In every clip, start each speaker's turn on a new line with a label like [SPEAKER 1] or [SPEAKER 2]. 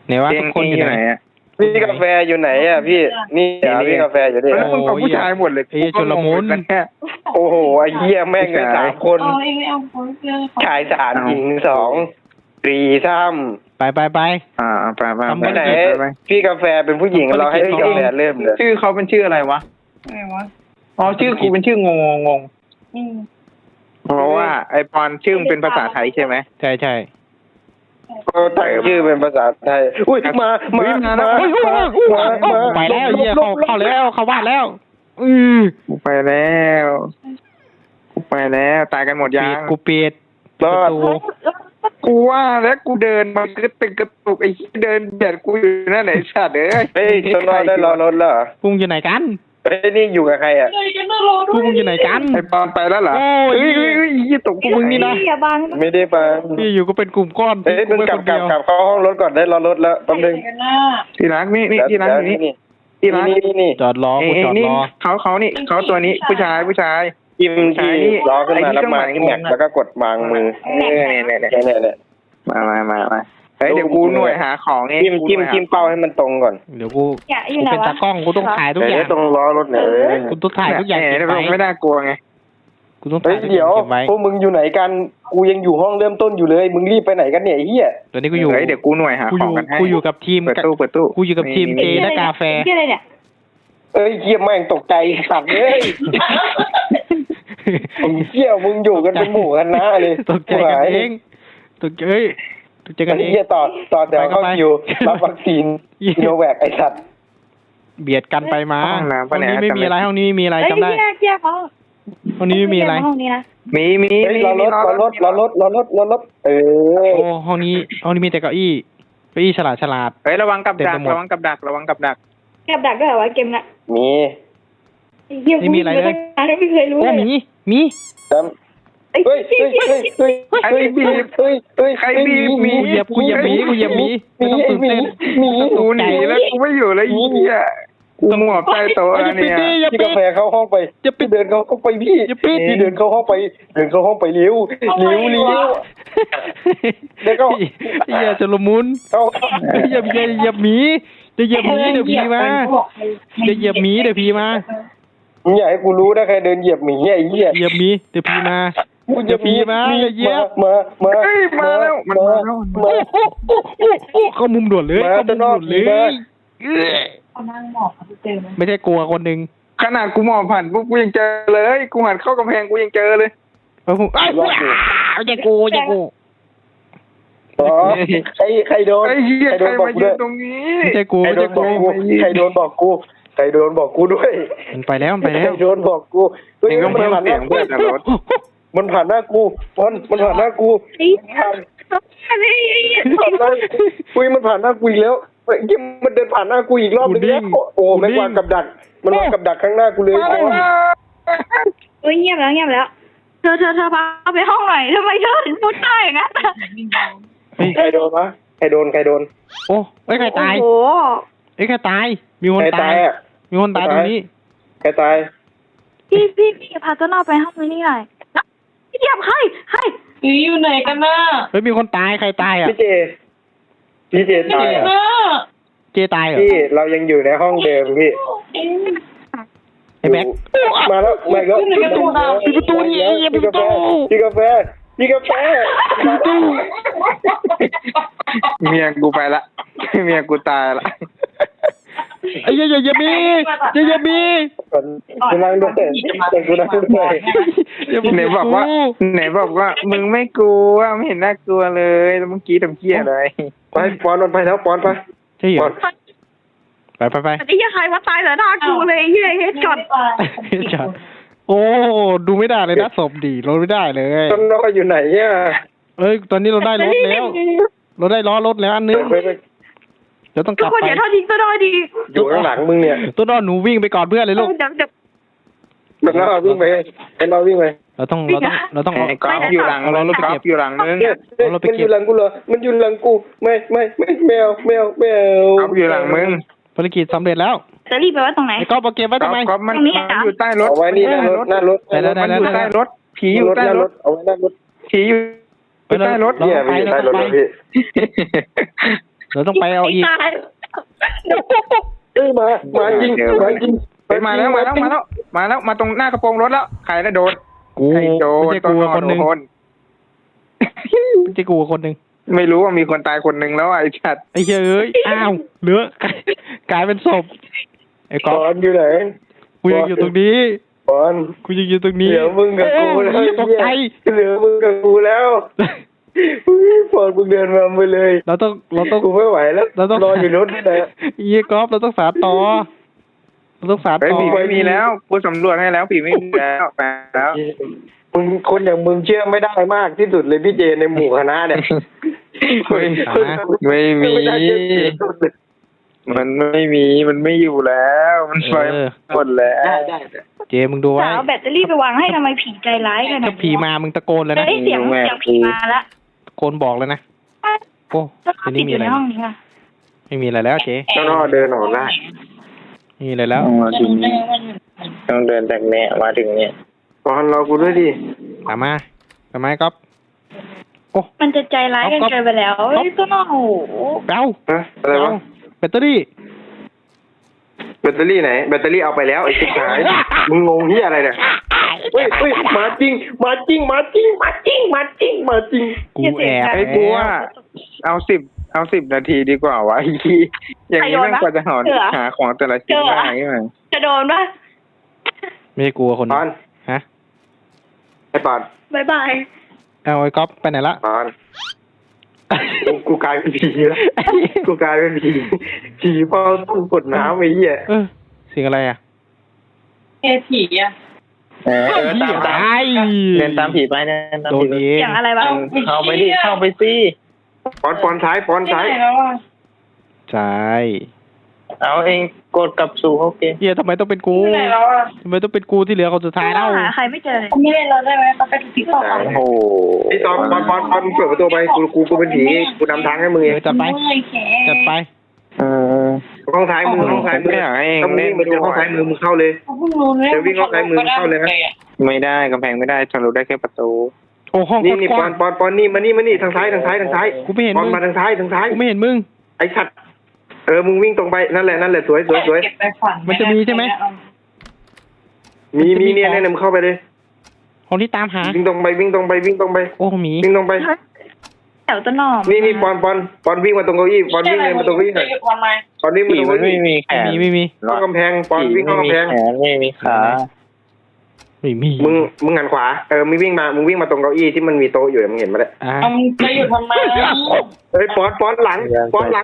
[SPEAKER 1] ไหนวะทุกคนอยู่ไหนอ่ะ
[SPEAKER 2] พี่กาแฟอยู่ไหนอ่ะพี่นี่พี่กาแฟอยู่ดิ
[SPEAKER 3] แล้วมึงกับผู้ชายหมดเลย
[SPEAKER 1] ไอ้ชลมุน
[SPEAKER 2] โอ้โหไอ้เหี้ยแม่งเลย3 คนชาย3หญิง2 รีซ้ำ
[SPEAKER 1] ไป
[SPEAKER 3] ไปไป
[SPEAKER 2] ไปไหนพี่กาแฟเป็นผู้หญิงเราให้พี่กาแฟเริ่มเลย
[SPEAKER 3] ชื่อเขาเป็นชื่ออะไรวะอ๋อชื่อกูเป็นชื่องงเพราะว่าไอปอนชื่อมันเป็นภาษาไทยใช่ไหม
[SPEAKER 1] ใช่
[SPEAKER 2] ก็ตั้งชื่อเป็นภาษาไทยอุ้ยมา
[SPEAKER 1] ไปแล้วเหี้ยเข้าแล้วเข้าบ้านแล้ว
[SPEAKER 3] ไปแล้วตายกันหมดยัง
[SPEAKER 1] กูปิด
[SPEAKER 2] รอด
[SPEAKER 3] กูว่าแล้วกูเดินมากระตุกไอ้เดินเบียดกูอยู่นั่นไหนสัตว์เฮ้ย
[SPEAKER 2] ต้นรอดได้รอรถแล้ว
[SPEAKER 1] พุ่งอยู่ไหนกัน
[SPEAKER 2] เฮ้ยนี่อยู่กับใครอ่ะ
[SPEAKER 1] พุ่งอยู่ไหนกัน
[SPEAKER 3] ไอ้ปอนไปแล้วเหรอเฮ้ยยี่ตกกูมึงนี่นะ
[SPEAKER 2] ไม่ได้ไป
[SPEAKER 1] พี่อยู่ก็เป็นกลุ่มก้อน
[SPEAKER 2] มึงกลับเข้าห้องรถก่อนได้รอรถแล้วแป๊บนึง
[SPEAKER 3] ที่รักนี่ที่รักนี่ที่รัก
[SPEAKER 1] นี่จอดรอกูจอดรอ
[SPEAKER 3] เขานี่เขาตัวนี้ผู้ชาย
[SPEAKER 2] จิ้มที่ล้อขึ้นมาแล้วมาที่แม็กแล้วก็กดวางมือเนี่ย
[SPEAKER 3] มาเฮ้ยเดี๋ยวกูหน่วยหาของเอง
[SPEAKER 2] จิ้มเป้าให้มันตรงก่อน
[SPEAKER 1] เดี๋ยวกูเป็นตากล้องกูต้องถ่ายทุกอย่าง
[SPEAKER 2] ตรงล้อรถเนี่ย
[SPEAKER 1] กูต้องถ่ายทุกอย่าง
[SPEAKER 3] ไม่น่ากลัวไง
[SPEAKER 1] กูต้องถ่าย
[SPEAKER 2] เดี๋ยวพวกมึงอยู่ไหนกันกูยังอยู่ห้องเริ่มต้นอยู่เลยมึงรีบไปไหนกันเนี่ยไอ้เหี้ย
[SPEAKER 1] ตอนนี้กูอยู่
[SPEAKER 3] เดี๋ยวกูหน่วยหาของกันให้
[SPEAKER 1] กูอยู่กับทีม
[SPEAKER 3] เปิดตู้
[SPEAKER 1] กูอยู่กับทีมเจและกาแฟ
[SPEAKER 2] เอ้ยเหี้ยแม่งตกใจสัตว์เลยเหี้ยมึงอยู่กันเป็นหมู่คณะเลย
[SPEAKER 1] ตกใจกันเองตกใจกันเอง
[SPEAKER 2] เหี้ยต่อแถวเข้าคิวรับวัคซีนโนแวคไอ้สัตว์
[SPEAKER 1] เบียดกันไปมาห้องนี้ไม่มีอะไรห้องนี้มีอะไรจำได้ห้องนี้ไม่มีอะไร
[SPEAKER 3] มี
[SPEAKER 2] รอรถ
[SPEAKER 1] โอ้ห้องนี้มีแต่เก้าอี้ฉลาด
[SPEAKER 3] เฮ้ยระวังกับดัก
[SPEAKER 4] ด้วยเหรอวะเกมน่ะ
[SPEAKER 2] มี
[SPEAKER 1] ไม่มีอะไรเลย
[SPEAKER 4] ไม่เคยรู้
[SPEAKER 1] มี
[SPEAKER 2] เฮ้ย
[SPEAKER 3] ใครบีบมี
[SPEAKER 1] กูเหยียบมีไม่ต้องตื่นเต้น
[SPEAKER 3] กูหนีแล้วกูไม่อยู่แล้วอีเนี่ยกูหมอบใต้โต๊ะเนี่ย
[SPEAKER 2] พี่กาแฟเข้าห้องไปพี่เดินเข้าไปพี่เดินเข้าห้องไปเร็วเดี๋ยวก็
[SPEAKER 1] อย่าจะละมุนอย่าหมีจะเหยียบหมีเดี๋ยวผีมาจะเหยียบหมีเดี๋ยวผีมา
[SPEAKER 2] มึงอยากให้กูรู้นะใครเดินเหยียบหมีไอ้เหี้ย
[SPEAKER 1] เหยียบหมีเดี๋ยวผีมาอย่าผีมาอย่าเหยียบ
[SPEAKER 2] มา
[SPEAKER 3] แล้ว
[SPEAKER 1] เข้ามุมด่วนเลยไม่ใช่กลัวคนหนึ่ง
[SPEAKER 3] ขนาดกูมองผ่านปุ๊บกูยังเจอเลยกูหันเข้ากำแพงกูยังเจอเลย
[SPEAKER 1] อย่ากู
[SPEAKER 2] ใครโดน
[SPEAKER 3] มายืนตรงนี้
[SPEAKER 1] ไม่ใช่กู
[SPEAKER 2] ใครโดนบอกกูด้วย
[SPEAKER 1] มันไปแล้ว
[SPEAKER 2] ใครโดนบอกกู
[SPEAKER 3] มันผ่านหน้ากู
[SPEAKER 2] มันผ่านหน้ากูมันผ่านหน้ากูมันผ่านหน้ากูอีกแล้วยิ่งมันเดินผ่านหน้ากูอีกรอบนึงแล้วโอ้ไม่วางกับดักมันวางกับดักข้างหน้ากูเลย
[SPEAKER 4] เงียบแล้วเธอพาไปห้องหน่อยทำไมเธอถึงพูดได้อย่างนั้น
[SPEAKER 2] ใครโดนวะใครโดน
[SPEAKER 1] โอ้ใครตายใครตายมีคนตายตรงนี้
[SPEAKER 2] ใครตาย
[SPEAKER 4] พี่พาต้นอ้อไปห้องนี้หน่อยพี่เดียบใครอยู่ไหนกันน่ะ
[SPEAKER 1] มีคนตายใครตายอ่ะ
[SPEAKER 2] พี่เจตาย
[SPEAKER 1] เจตายเหรอ
[SPEAKER 2] พี่เรายังอยู่ในห้องเดิมพี่
[SPEAKER 1] ไอ้แบ็ค
[SPEAKER 2] มาแล้ว
[SPEAKER 1] ปิดประตูนี่ปิดประตู
[SPEAKER 2] พี่กาแฟ
[SPEAKER 3] เมียกูไปละเมียกูตายละ
[SPEAKER 1] ไอ้อย่ามี
[SPEAKER 2] กูนั่งด้วย
[SPEAKER 3] ไหนบอกว่ามึงไม่กลัวไม่เห็นน่ากลัวเลยแล้วเมื่อกี้ทำเกี้ยอะไร
[SPEAKER 2] ไปปอนไปแล้วปอนไป
[SPEAKER 1] ใช่เหรอไป
[SPEAKER 4] ไอ้เหี้ยใครว่าตายเหรอน่ากลัวเลยเหี้ยเฮ็ดจอด
[SPEAKER 1] โอ้ดูไม่ได้เลยนะศพดีเราไม่ได้เลย
[SPEAKER 2] ต้นน้อยอยู่ไหนเนี่ย
[SPEAKER 1] ตอนนี้เราได้รถแล้วเราได้ล้อรถแล้วอันนึงเดี๋ยวต้องกลับไป
[SPEAKER 4] เดี๋ยวเท่าทิ้งตัวน้อยดี
[SPEAKER 2] อยู่ข้างหลังมึงเนี่ย
[SPEAKER 1] ตัวน้อยหนูวิ่งไปก่อนเพื่อนเลยลูก
[SPEAKER 2] แล้วเราวิ่งไป
[SPEAKER 1] เราต้อง
[SPEAKER 3] กอล์ฟอยู่หลังเรากอล์ฟอยู่หลังนึง
[SPEAKER 2] มันอยู่หลังกูเหรอมันอยู่หลังกูไม่แมวก
[SPEAKER 3] อล์ฟอยู่หลังมึง
[SPEAKER 1] ภารกิจสำเร็จแล้ว
[SPEAKER 4] จะรีบไปไว้ตรงไหน
[SPEAKER 1] ไอ้กอล์ฟเอาเก็บไว้ทำไม
[SPEAKER 3] กอล์ฟมันอยู่ใต้รถ
[SPEAKER 2] เอาไว้นี่หน้ารถ
[SPEAKER 1] ได้
[SPEAKER 3] อยู่ใต้รถผีอยู่ใต้รถ
[SPEAKER 2] เอาไว้หน้ารถ
[SPEAKER 3] ผีอยู่ใต้รถ
[SPEAKER 2] เนี่ยอยู่ใต้รถพี่
[SPEAKER 1] เราต้องไปเอาอีก
[SPEAKER 4] ตาย
[SPEAKER 2] เอ้ยมาจริงมาจริง
[SPEAKER 3] ไปมาแล้วมาตรงหน้ากระโปรงรถแล้วใครได้โดน
[SPEAKER 1] กู
[SPEAKER 3] ใครโดน
[SPEAKER 1] ไม่ใช่กูกับคนหนึ่ง
[SPEAKER 3] โดน
[SPEAKER 1] ไม่ใช่กูกับคนหนึ่ง
[SPEAKER 3] ไม่รู้ว่ามีคนตายคนหนึ่งแล้วไอ้ชัด
[SPEAKER 1] ไอ้เหี้ยเอ้ยอ้าวเหลือกลายเป็นศพไอ้ก๊
[SPEAKER 2] บ
[SPEAKER 1] อ
[SPEAKER 2] อ
[SPEAKER 1] ฟ
[SPEAKER 2] ลอยู่ไหน
[SPEAKER 1] กูยังอยู่ตรงนี้
[SPEAKER 2] บอล
[SPEAKER 1] กูยังอยู่ตรงนี้
[SPEAKER 2] เหลือมึงกับกูแล้ว
[SPEAKER 1] เอ้ยตกใจ
[SPEAKER 2] เหลือมึงกับกูแล้วบอลมึงเดินมาไปเลย
[SPEAKER 1] เราต้อง
[SPEAKER 2] กูไม่ไหวแล้ว
[SPEAKER 1] เราต้อง
[SPEAKER 2] นอนอยู่รถนี่แหละ
[SPEAKER 1] เหี้ยก๊อฟเราต้องสานต่อเราต้องสาน
[SPEAKER 3] ไอ้
[SPEAKER 1] ต่อ
[SPEAKER 3] ผีไม่มีแล้วกูสำรวจให้แล้วผีไม่มีแล้วไปแล้ว
[SPEAKER 2] มึงคนอย่างมึงเชื่อไม่ได้มากที่สุดเลยพี่เจในหมู่คณะเนี่ย
[SPEAKER 3] ไม่มี
[SPEAKER 2] ไม่ได้เชื่อถือที่สุดเลย
[SPEAKER 3] มันไม่มีมันไม่อยู่แล้วมันไปหมดแล้ว
[SPEAKER 2] ได้
[SPEAKER 1] เจมึงดูไว้
[SPEAKER 4] สาวแบตเตอรี่ไปวางให้ทำไมผีใจร้ายขนาด
[SPEAKER 1] ถ้า
[SPEAKER 4] นี้
[SPEAKER 1] ผีมามึงตะโกนเลยนะ
[SPEAKER 4] เฮ้ยเสียงผีมาละ
[SPEAKER 1] ตะโกนบอกเลยนะโอ้
[SPEAKER 4] ก็
[SPEAKER 1] ที
[SPEAKER 4] ติ
[SPEAKER 1] นี้
[SPEAKER 4] ดอ
[SPEAKER 1] มี
[SPEAKER 4] ยู่
[SPEAKER 1] อะไร
[SPEAKER 4] ในห้องนี้ค่ะ
[SPEAKER 1] ไม่มีอะไรแล้วเจ
[SPEAKER 2] เจ้าน้อเดินออกได้
[SPEAKER 1] ไม่มีอะไรแล้ว
[SPEAKER 3] ต้องเดินจากเนี้ยมาถึงเนี้ย
[SPEAKER 2] บอลรอกูด้วยดิ
[SPEAKER 1] ตามมาก๊อฟโอ้
[SPEAKER 4] มันจะใจร้ายกันเกินไปแล้วเฮ้ยก็น้องโอ้โห
[SPEAKER 1] เอ้า
[SPEAKER 2] ฮะอะไรวะ
[SPEAKER 1] แบตเตอรี่
[SPEAKER 2] แบตเตอรี่ไหนแบตเตอรี่เอาไปแล้วไอ้ชิบหายมึงงงที่อะไรเนี่ยเฮ้ยมาจริง
[SPEAKER 1] กูแอบ
[SPEAKER 3] ไอ้กูว่าเอาสิบนาทีดีกว่าวะไอ้ที่อย่างนี้แม่งกว่าจะหาของแต่ละชิ้นได้ไหม
[SPEAKER 4] จะโดนปะ
[SPEAKER 1] ไม่ใช่กูคน
[SPEAKER 2] ปอน
[SPEAKER 1] ฮะ
[SPEAKER 2] ไอ้ปอน
[SPEAKER 4] บายบาย
[SPEAKER 1] เอาไอ้ก๊อฟไปไหนละ
[SPEAKER 2] ปอนกูกลายเป็นผีแล้วกูกลายเป็นผีเฝ้าตู้กดน้ำไอ้เหี้ย
[SPEAKER 1] เสียงอะไรอ่ะ
[SPEAKER 4] ผีอ่ะ
[SPEAKER 3] ตามเดินตามผีไปเดินตาม
[SPEAKER 1] โด
[SPEAKER 3] ผี
[SPEAKER 1] นเอง
[SPEAKER 4] อย่างอะไรวะ
[SPEAKER 3] เข้าไปดิเข้าไปสิ
[SPEAKER 2] ปอนซ้าย
[SPEAKER 1] ใช่
[SPEAKER 3] เอาเองกดกลับสู่โอเค
[SPEAKER 1] เฮียทำไมต้องเป็นกูทำไมต้องเป็นกูที่เหลือคนสุดท้ายเล่า
[SPEAKER 4] หาใครไม่เจอเลยไม่เล่นเราได้ไหมเขาไปผีต่อไป
[SPEAKER 3] โอ้โห
[SPEAKER 2] ไอ้ตอนปอนเปิดประตูไปกูเป็นผีกูนำทางให้มึงเอง
[SPEAKER 1] จัดไป
[SPEAKER 2] ห้องซ้ายมือ
[SPEAKER 3] ไม่อยากให้เอง
[SPEAKER 2] ถ้ามึง
[SPEAKER 3] เล่น
[SPEAKER 2] วิ่งไปเจอห้องซ้ายมือมึงเข้าเลยจะวิ่งห้องซ้ายมือเข้าเลยนะ
[SPEAKER 3] ไม่ได้กำแพงไม่ได้ทะลุได้แค่ประตู
[SPEAKER 1] โอ้ห้อง
[SPEAKER 2] นี่
[SPEAKER 1] กว้าง
[SPEAKER 2] ปอนนี่มานี่ทางซ้าย
[SPEAKER 1] กูไม่เห็น
[SPEAKER 2] ปอน
[SPEAKER 1] มึง
[SPEAKER 2] มาทางซ้าย
[SPEAKER 1] กูไม่เห็นมึง
[SPEAKER 2] ไอ้สัตว์มึงวิ่งตรงไปนั่นแหละสวย
[SPEAKER 1] มันจะมีใช่ไหม
[SPEAKER 2] มีเนี่ยมึงเข้าไปเลย
[SPEAKER 1] ห้องที่ตามหา
[SPEAKER 2] วิ่งตรงไป
[SPEAKER 1] โอ้หมี
[SPEAKER 2] วิ่งตรงไป
[SPEAKER 4] แถวต้นหอม
[SPEAKER 2] นี่ปอนวิ่งมาตรงเก้าอี้ปอนวิ่งเลยมาตรงเก้าอี้หน่อยปอนวิ่งมา
[SPEAKER 3] ผี
[SPEAKER 2] ตรง
[SPEAKER 3] มัน
[SPEAKER 2] เก้าอี้
[SPEAKER 3] ไม่มีแขน
[SPEAKER 1] ไม่มี
[SPEAKER 2] เข้ากำแพงปอนวิ่งเข้ากำแพง
[SPEAKER 3] ไม่มีขา
[SPEAKER 1] ไม่มี
[SPEAKER 2] มึงหันขวามึงวิ่งมาตรงเก้าอี้ที่มันมีโต๊ะอยู่มึงเห็นมาแล้ว
[SPEAKER 4] จะอยู่ทำไม
[SPEAKER 2] ปอนหลังปอนหลัง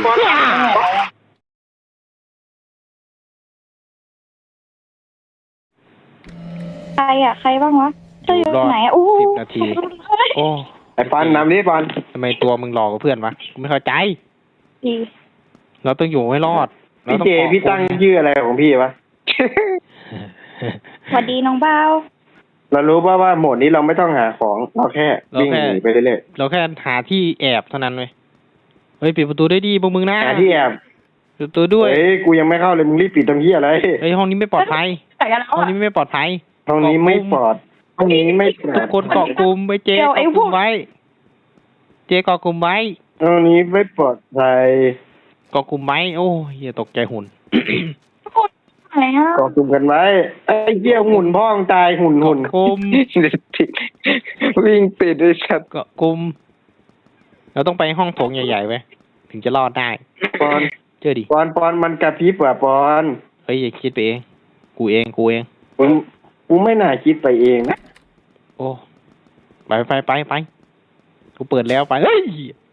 [SPEAKER 4] ใครบ้างวะจะอยู่ไหนโอ้
[SPEAKER 1] 10 นาที โอ้
[SPEAKER 2] ไอ้ปอนนำนี่ปอน
[SPEAKER 1] ทำไมตัวมึงหลอกกับเพื่อนวะกูไม่เข้าใจ
[SPEAKER 4] ดี
[SPEAKER 1] เราต้องอยู่ให้รอด
[SPEAKER 2] พี่เจพี่ตั้งชื่ออะไรของพี่วะ
[SPEAKER 4] สวัสดีน้องเบา
[SPEAKER 2] เรารู้ว่าโหมดนี้เราไม่ต้องหาของเราแค่วิ่งหนีไปเรื่อย
[SPEAKER 1] เราแค่หาที่แอบเท่านั้นเลยเฮ้ยปิดประตูได้ดีพวกมึงนะ
[SPEAKER 2] ๆหาที่แอบ
[SPEAKER 1] ปิดประตูด้วย
[SPEAKER 2] เฮ้ยกูยังไม่เข้าเลยมึงรีบปิดทำเหี้ยอะไร
[SPEAKER 1] เฮ้ยห้องนี้ไม่ปลอดภัย
[SPEAKER 4] แต่กันแล้ว
[SPEAKER 1] ห้องนี้ไม่ปลอดภัย
[SPEAKER 2] ห้องนี้ไม่ปลอดห้องนี้ไม่ปลอ
[SPEAKER 1] ทุ
[SPEAKER 2] ด
[SPEAKER 1] กคนเกาะกลุ่มไว้เจเกาะกลุ่มไว้ เจเกาะกลุ่มไว้
[SPEAKER 2] ห้องนี้ไม่ปลอดภัย
[SPEAKER 1] เกาะกลุ่มไว้โอ้ยอย่าตกใจหุ่น
[SPEAKER 4] อะไรฮะ
[SPEAKER 2] กองกลุ่มกันไว้ไอ้เหี้ยหุ่นพ่องตายหุ่น
[SPEAKER 1] เกาะกลุ่ม
[SPEAKER 3] วิ่งปิดด้วยชัด
[SPEAKER 1] เกาะกลุ่มเราต้องไปห้องโถงใหญ่ๆไว้ถึงจะรอดได้
[SPEAKER 2] ปอน
[SPEAKER 1] เจอดิ
[SPEAKER 2] ปอนมันกระพริบว่ะปอน
[SPEAKER 1] เฮ้ยอย่าคิดไปเองกูเอง
[SPEAKER 2] กูไม่น่าคิดไปเองนะ
[SPEAKER 1] โอ้ไปกูเปิดแล้วไปเฮ้ย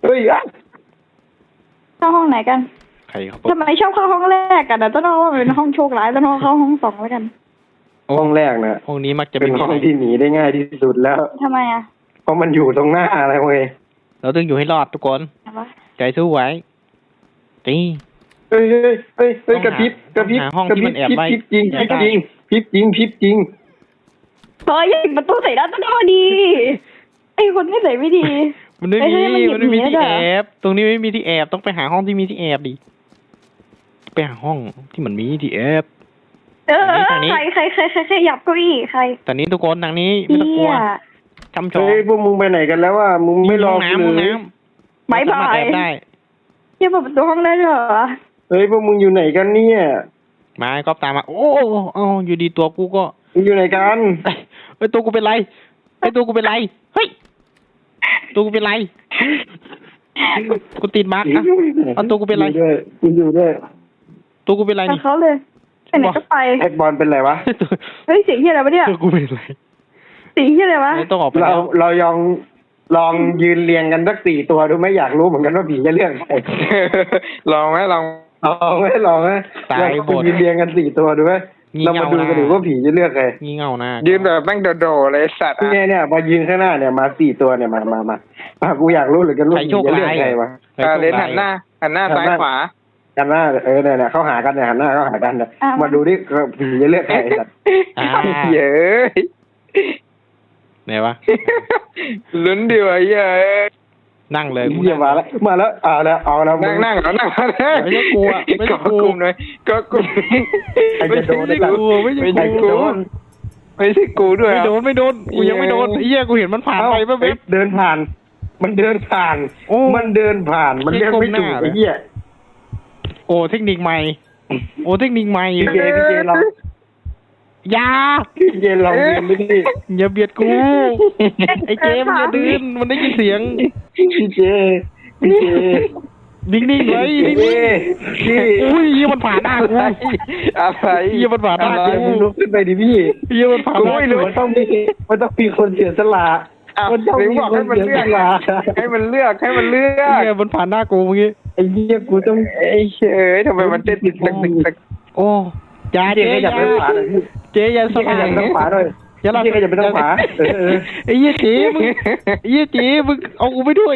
[SPEAKER 4] เข้าห้องไหนกัน
[SPEAKER 1] ใครเขา
[SPEAKER 4] ทำไมชอบเข้าห้องแรกกันนะต้นอ้อว่าเป็นห้องโชคร้ายต้นอ้อเข้าห้องสองแล้วกัน
[SPEAKER 2] ห้องแรกนะ
[SPEAKER 1] ห้องนี้มักจะ
[SPEAKER 2] เป็น
[SPEAKER 1] มี
[SPEAKER 2] ห้องที่หนีได้ง่ายที่สุดแล้ว
[SPEAKER 4] ทำไมอ่ะ
[SPEAKER 2] เพราะมันอยู่ตรงหน้าอะไรเว้ย
[SPEAKER 1] เราต้องอยู่ให้รอดทุกคน
[SPEAKER 4] อะไรวะ
[SPEAKER 1] ใจสู้ไว้ตี
[SPEAKER 2] เฮ้ยกระพริบ
[SPEAKER 1] หาห้องที่มันแอบไว้
[SPEAKER 2] พริบจริง
[SPEAKER 1] เฮ้ย
[SPEAKER 4] เฮ้ยอย่าประตูใส่ด้านต้นอ้อดีไอ้คนไม่ใส่ไม่ดี
[SPEAKER 1] มันไม่
[SPEAKER 4] เฮ้ย
[SPEAKER 1] มี
[SPEAKER 4] มันหยิบ
[SPEAKER 1] มันไม่มี
[SPEAKER 4] หนี
[SPEAKER 1] ที่
[SPEAKER 4] ได้
[SPEAKER 1] แอ
[SPEAKER 4] เหรอ
[SPEAKER 1] บตรงนี้ไม่มีที่แอบต้องไปหาห้องที่มีที่แอบดิไปหาห้องที่มันมีที่แอบ ทางนี้
[SPEAKER 4] ใครหยับเก้าอี้ใคร
[SPEAKER 1] ตอนนี้ทุกคนทางนี้ไม่ต้องกลัวจำชอง
[SPEAKER 2] เฮ้ยพวกมึงไปไหนกันแล้วว่ามึงไม่รอ
[SPEAKER 1] ห้อง
[SPEAKER 2] กู
[SPEAKER 1] น้ำ
[SPEAKER 2] เลย
[SPEAKER 1] ห้องน้ำ
[SPEAKER 4] บ๊ายบาย
[SPEAKER 1] เรสมรถแอบได้
[SPEAKER 4] เปิดประตูห้องได้ด้วยเหรอ
[SPEAKER 2] เฮ้ยพวกมึงอยู่ไหนกันเนี่ย
[SPEAKER 1] มาก็ตามมา โอ้อยู่ดีตัวกูก็
[SPEAKER 2] มึงอยู่ไหนกัน
[SPEAKER 1] เฮ้ยตัวกูเป็นไรเฮ้ยตัวกูเป็นไรเฮ้ยตัวกูเป็นไรกูติดมาร์กอะเอาตัวกูเป็นไร
[SPEAKER 2] กูอยู่ด้วย
[SPEAKER 1] ตัวกูเป็นไร
[SPEAKER 4] ไป
[SPEAKER 1] นี่
[SPEAKER 4] เขาเลยไปไหนก็ไป
[SPEAKER 2] ไอ้บอลเป็นไรวะ
[SPEAKER 4] เฮ้ยเสียงเฮียอะไรวะเนี่ย
[SPEAKER 1] ตัวกูเป็นไร
[SPEAKER 4] เสียงเฮียอะไรวะ
[SPEAKER 1] ไม่ต้องออกไป
[SPEAKER 2] เรา
[SPEAKER 1] แล้ว
[SPEAKER 2] เราลองยืนเรียงกันสัก4 ตัวดูไหมอยากรู้เหมือนกันว่าผีจะเลือกใคร
[SPEAKER 3] ลองไหมลอง
[SPEAKER 2] ลองไหมลองไหม
[SPEAKER 1] ตายหมด
[SPEAKER 2] ยืนเรียงกัน4 ตัวดูไหม
[SPEAKER 1] งี่
[SPEAKER 2] เรา
[SPEAKER 1] เง่า
[SPEAKER 2] มาดูกัน
[SPEAKER 1] นะ
[SPEAKER 2] ดูว่าผีจะเลือกใคร
[SPEAKER 1] งี่เง่านะ
[SPEAKER 3] ยืนแบบแม่งโดดๆเลยสัตว์อะ
[SPEAKER 2] เนี่ยพอยืนข้างหน้าเนี่ยมา4 ตัวเนี่ยมากูอยากรู้เหลือเกันว่าผีจะเลือกใครวะ
[SPEAKER 3] เลนหันหน้าซ้ายขวา
[SPEAKER 2] หันหน้าเนี่ยเขาหากันเนี่ยหันหน้าเขาหากันเนี่ยมาดูดิผีจะเลือกใครสัตว์
[SPEAKER 1] อ่า
[SPEAKER 3] เย้ย
[SPEAKER 1] ไหนวะ
[SPEAKER 3] ลุ้นดีวะเย้ย
[SPEAKER 1] นั่งเลยกู
[SPEAKER 2] เยี่ยมาแล้วเอาแล้วมึ
[SPEAKER 3] นั่งเอานั่ง
[SPEAKER 1] ไม่ใช่กูอะไม่ใช่กู
[SPEAKER 3] กลุ่มเลยก็กลุ่ม
[SPEAKER 2] ใครจะโดน
[SPEAKER 1] ไม่
[SPEAKER 2] ได้
[SPEAKER 1] ใช่
[SPEAKER 2] สัตว์
[SPEAKER 1] กูไม่ใช่
[SPEAKER 2] ใคร
[SPEAKER 1] กู
[SPEAKER 2] จะโดน
[SPEAKER 3] ไม่ใช่กูด้วย
[SPEAKER 1] ไม่โดนกูยังไม่โดนไอ้เหี้ยกูเห็นมันผ่านไปแป๊บ
[SPEAKER 2] เดินผ่าน มันเดินผ่าน
[SPEAKER 1] โอ้
[SPEAKER 2] มันเดินผ่านมันเรียกไม่ถูก
[SPEAKER 1] ก้มหน้า
[SPEAKER 2] ไอ้เหี้ย
[SPEAKER 1] โอ้เทคนิคใหม่ โอ้เทคนิคใหม่
[SPEAKER 2] พี่เจลอง
[SPEAKER 1] อย่า
[SPEAKER 2] พี่เจลองเรียนดูดิ
[SPEAKER 1] อย่าเบียดกู ไอ้เจมอย่าดื้นมันได้ยินเสียง
[SPEAKER 2] พี่เจ
[SPEAKER 1] นิ่งๆไว้นิ่ง
[SPEAKER 2] พี่
[SPEAKER 1] ๆอุ้ยเหี้ยมันผ่านหน้ากู
[SPEAKER 3] อะไร
[SPEAKER 1] เหี้ยมันผ่านหน้า
[SPEAKER 2] เจ
[SPEAKER 1] กู
[SPEAKER 2] มึงลุกขึ้นไปดิพี่
[SPEAKER 1] เหี้ยมันผ่านหน้า
[SPEAKER 2] ไม่รู้
[SPEAKER 1] กู
[SPEAKER 2] มันต้องมีคนเสียสละ มันต้อง
[SPEAKER 3] หรือ
[SPEAKER 2] มี
[SPEAKER 3] บอก
[SPEAKER 2] ค
[SPEAKER 3] ให้
[SPEAKER 2] น
[SPEAKER 3] มัน
[SPEAKER 2] เสีย
[SPEAKER 3] เลื
[SPEAKER 2] ส
[SPEAKER 3] อก
[SPEAKER 2] ละ
[SPEAKER 3] ให้มันเลือก
[SPEAKER 1] เหี้ยมันผ่านหน้ากูเมื่อกี้
[SPEAKER 2] ไอ้เหี้ยกูต้อง
[SPEAKER 3] ไอ้เฮ้ยทำไมมันเต้นตึก
[SPEAKER 1] โอ้อย่า
[SPEAKER 2] เจ
[SPEAKER 1] เจ๊
[SPEAKER 2] ขยับไปทางขวาหน่อยพี่
[SPEAKER 1] เจ๊อย่าส
[SPEAKER 2] ข
[SPEAKER 1] ลาย
[SPEAKER 2] ยับไปทางขวาหน่อย
[SPEAKER 1] อย่าละ
[SPEAKER 2] เจขยับไปทางขวาเออ
[SPEAKER 1] ไอ้เหี้ยเจ๊มึงไอ้เหี้ยเจ๊มึงเอากูไปด้วย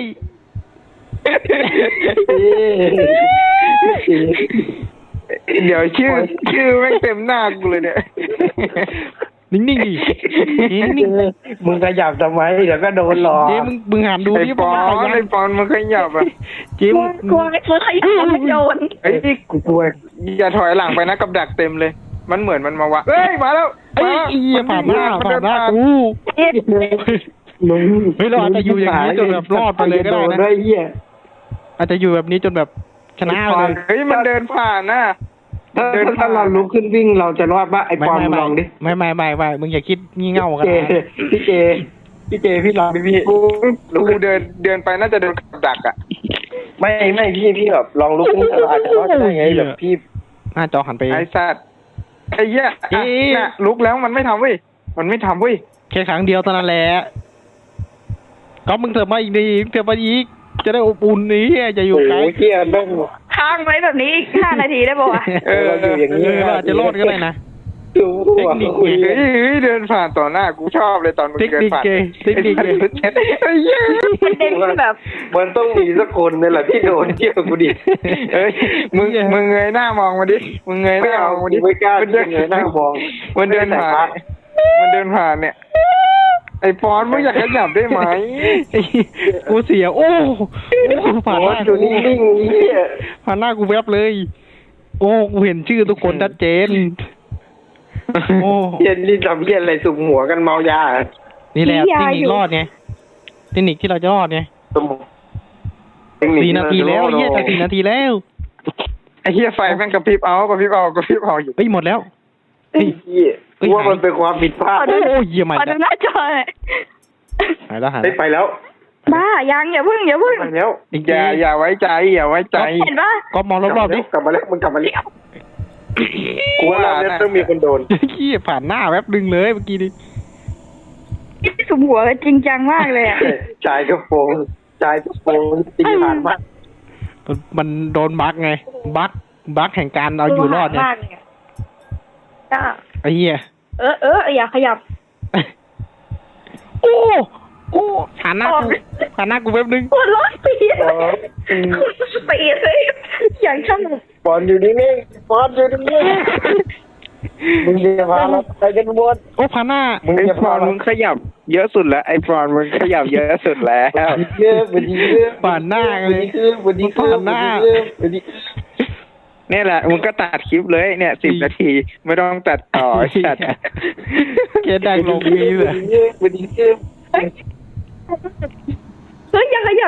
[SPEAKER 3] เดี๋ยวชื่อแม่งเต็มหน้ากูเลยเนี่ย
[SPEAKER 1] นิ่งๆดินิ่ง
[SPEAKER 2] มึงขยับทำไมเดี๋ยวก็โดนหลอก
[SPEAKER 1] ๆเจ๊มึงหันดู
[SPEAKER 3] ไอ้
[SPEAKER 1] ดิ
[SPEAKER 3] ปอ
[SPEAKER 1] มันขยั
[SPEAKER 3] ไอ้
[SPEAKER 1] น
[SPEAKER 3] ปอนมันขยับอ่ะ
[SPEAKER 1] เจ๊
[SPEAKER 4] กลัว
[SPEAKER 1] มึง
[SPEAKER 4] กลัวขยับไม่โดน
[SPEAKER 3] เฮ้ย
[SPEAKER 2] กูกลัว
[SPEAKER 3] อย่าถอยหลังไปนะกับดักเต็มเลย มันเหมือนมันมาวะเฮ้ยมาแล้ว
[SPEAKER 1] ไอ้เหี้ยผ่านหน้ากู
[SPEAKER 2] มึง
[SPEAKER 1] เฮ้ยเราอาจจะอยู่อย่างนี้จนแบบรอดไปเลยก็ได้นะ
[SPEAKER 2] ด้วยเหี้ย
[SPEAKER 1] อาจจะอยู่แบบนี้จนแบบชนะไปเลย
[SPEAKER 3] เฮ้ยมันเดินผ่านน่ะ
[SPEAKER 2] ถ้าเราลุกขึ้นวิ่งเราจะรอดปะไอ้ปอนมึงลองดิ
[SPEAKER 1] ไม่มึงอย่าคิดงี่เง่ากัน
[SPEAKER 2] เจ
[SPEAKER 1] นะ
[SPEAKER 2] พี่เจพี่ลองดิพี่
[SPEAKER 3] กูเดินไปน่าจะโดนกับดักอ่ะ
[SPEAKER 2] ไม่พี่แบบลองลุกขึ้นเราอาจจะรอดได้ไงแบบพี่
[SPEAKER 1] หน้าจอหันไป
[SPEAKER 3] ไอ้สัตว์ไอ้เหี้ยน่ะลุกแล้วมันไม่ทำเว้ยมันไม่ทำเว้ย
[SPEAKER 1] แค่ครั้งเดียวเท่านั้นแหละก็มึงเถิดมาอีกดีเถิดมาอีกจะได้อบอุ่นนี่จะอยู่ไกล
[SPEAKER 2] โอ้เหี้ยต้อง
[SPEAKER 4] ค้างไว้แบบนี้อีก5 นาทีได้ป่าวะ
[SPEAKER 2] เราอยู่อย่างนี้
[SPEAKER 1] เราอาจจะรอดก็ได้นะ
[SPEAKER 2] ดู
[SPEAKER 1] เทคนิค
[SPEAKER 2] คุย
[SPEAKER 3] เฮ้ยเดินผ่านต่อหน้ากูชอบเลยตอนมึง
[SPEAKER 1] เทค
[SPEAKER 3] เดิน
[SPEAKER 1] นิค
[SPEAKER 3] ผ่าน
[SPEAKER 1] เกย์เทคนิคเกย์
[SPEAKER 3] ไอ้เหี้ย
[SPEAKER 4] ประเด็นคือแบบ
[SPEAKER 2] มันต้องมีสักคนนี่แหละที่โดนเที่ยวกูดิ
[SPEAKER 3] เอ้ยมึงเงยหน้ามองมาดิมึงเงยห
[SPEAKER 2] ไม่
[SPEAKER 3] น้าม
[SPEAKER 2] เอา
[SPEAKER 3] องมาดิ
[SPEAKER 2] ไม่กล้า
[SPEAKER 3] มัน
[SPEAKER 2] เงยหน้ามอง
[SPEAKER 3] มันเดินผ่านเนี่ยไอ้ปอนมึงอยากขยับได้ไหม
[SPEAKER 1] กูเสียโอ้ผ่านห
[SPEAKER 2] โอ้
[SPEAKER 1] น้า
[SPEAKER 2] อยู่นิ่งๆเหี้ย
[SPEAKER 1] ผ่านหน้ากูแวบเลย โอ้กูเห็นชื่อทุกคนชัดเจนโอ้
[SPEAKER 2] เหี้ยนี่ทำเหี้ยอะไรสุ่มหัวกันเมายา
[SPEAKER 1] นี่แหละเทคนิครอดไงเทคนิคที่เราจะรอดไง
[SPEAKER 2] สมอง
[SPEAKER 1] 4 นาทีแล้วเหี้ยจะ4 นาทีแล้ว
[SPEAKER 3] ไอ้เหี้ยไฟแม่งกระพริบเอาอยู่
[SPEAKER 1] เฮ้ยหมดแล้ว
[SPEAKER 2] เฮ้ยเหี้ยกูว่ามันเป็นความผิดพลาด
[SPEAKER 1] โอ้ยเยี่ยมมาก
[SPEAKER 4] ขอดูหน้าจอหน่อย
[SPEAKER 1] หายแล้วหาย
[SPEAKER 2] เฮ้ยไปแล้ว
[SPEAKER 4] บ้ายังอย่าพึ่ง
[SPEAKER 2] ไปแล้ว
[SPEAKER 3] อย่าไว้ใจอย่าไว้ใจ
[SPEAKER 4] เห็นปะ
[SPEAKER 1] ก็มองรอบๆดิ
[SPEAKER 2] กลับมาแล้วมึงกลับมาแล้วกูว่าเราเนี่ยต้องมีคนโดน
[SPEAKER 1] ขี้ผ่านหน้าแวบดึงเลยเมื่อกี้นี้
[SPEAKER 4] สุมหัวกันจริงจังมากเลยอ่ะ
[SPEAKER 2] จ่ายกระโปรงตีผ่านมาก
[SPEAKER 1] มันโดนบั๊กไงบั๊กแห่งการเอาอยู่รอดเนี่ย
[SPEAKER 4] มากเลยอะจ้า
[SPEAKER 1] ไอ้เหี้ย
[SPEAKER 4] อย่าขยับ
[SPEAKER 1] โอ้ผ่านหน้ากูแวบนึง
[SPEAKER 4] ปวดร้อนปีดปีดเลยอย่างช่าง
[SPEAKER 2] ปอนอยู่นิ่งๆปอนอยู่นิ่งๆมึงจะพาเราไปกันบน
[SPEAKER 1] โอ้ผ่านหน้า
[SPEAKER 2] มึง
[SPEAKER 3] ไอ้
[SPEAKER 2] จะ
[SPEAKER 3] ป
[SPEAKER 2] พา
[SPEAKER 3] อน
[SPEAKER 2] เรา
[SPEAKER 3] มึงขยับเยอะสุดแล้วไอ้ปอนมึงขยับเยอะสุดแล้ว
[SPEAKER 2] เยอะวันนี้เยอะ
[SPEAKER 1] ผ่านหน้าเลย
[SPEAKER 2] วันนี้
[SPEAKER 1] ผ่านหน้า
[SPEAKER 2] วันนี้
[SPEAKER 3] นี่แหละมึงก็ตัดคลิปเลยเนี่ย10 นาทีไม่ต้องตัดต่อจัด
[SPEAKER 1] แกดังลงนี้เลย
[SPEAKER 2] วันนี้เยอะ
[SPEAKER 4] เฮ้ยอย่าขยับ